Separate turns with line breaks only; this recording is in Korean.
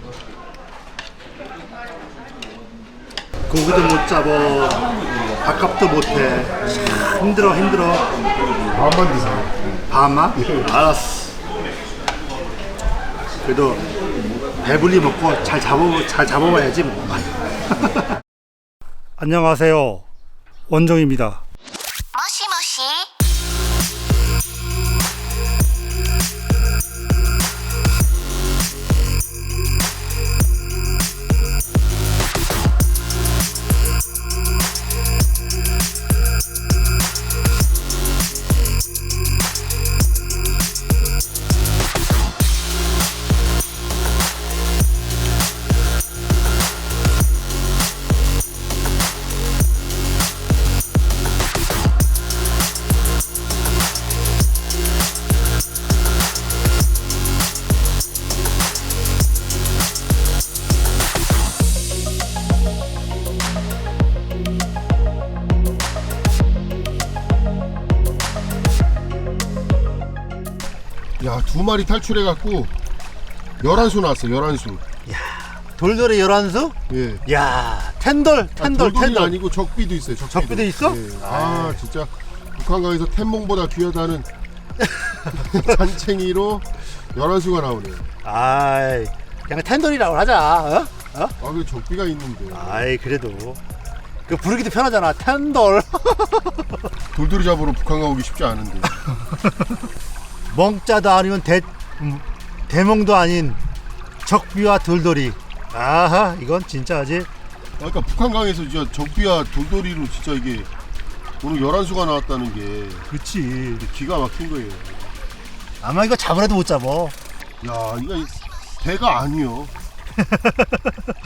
고기도 못 잡어, 밥값도 못해. 참 힘들어.
반만 드세요.
반만? 알았어. 그래도 배불리 먹고 잘 잡아봐야지 뭐. 안녕하세요, 원종입니다.
모시모시.
야, 2마리 탈출해갖고 11수 나왔어요. 11수.
돌돌이 11수?
예.
야, 텐돌.
돌돌이 아니고 적비도 있어요.
적비도 있어?
예. 아, 진짜 북한강에서 템몽보다 귀하다는 잔챙이로 11수가 나오네요.
아이, 그냥 텐돌이라고 하자. 어?
아, 그 적비가 있는데.
아이, 그래도 그 부르기도 편하잖아. 텐돌.
돌돌이 잡으러 북한강 오기 쉽지 않은데.
멍자도 아니면 대몽도 아닌 적비와 돌돌이. 아하, 이건 진짜지.
그러니까 북한강에서 진짜 적비와 돌돌이로 진짜 이게 오늘 11수가 나왔다는 게
그치.
기가 막힌 거예요.
아마 이거 잡으라도 못 잡어.
야, 이거 배가 아니요.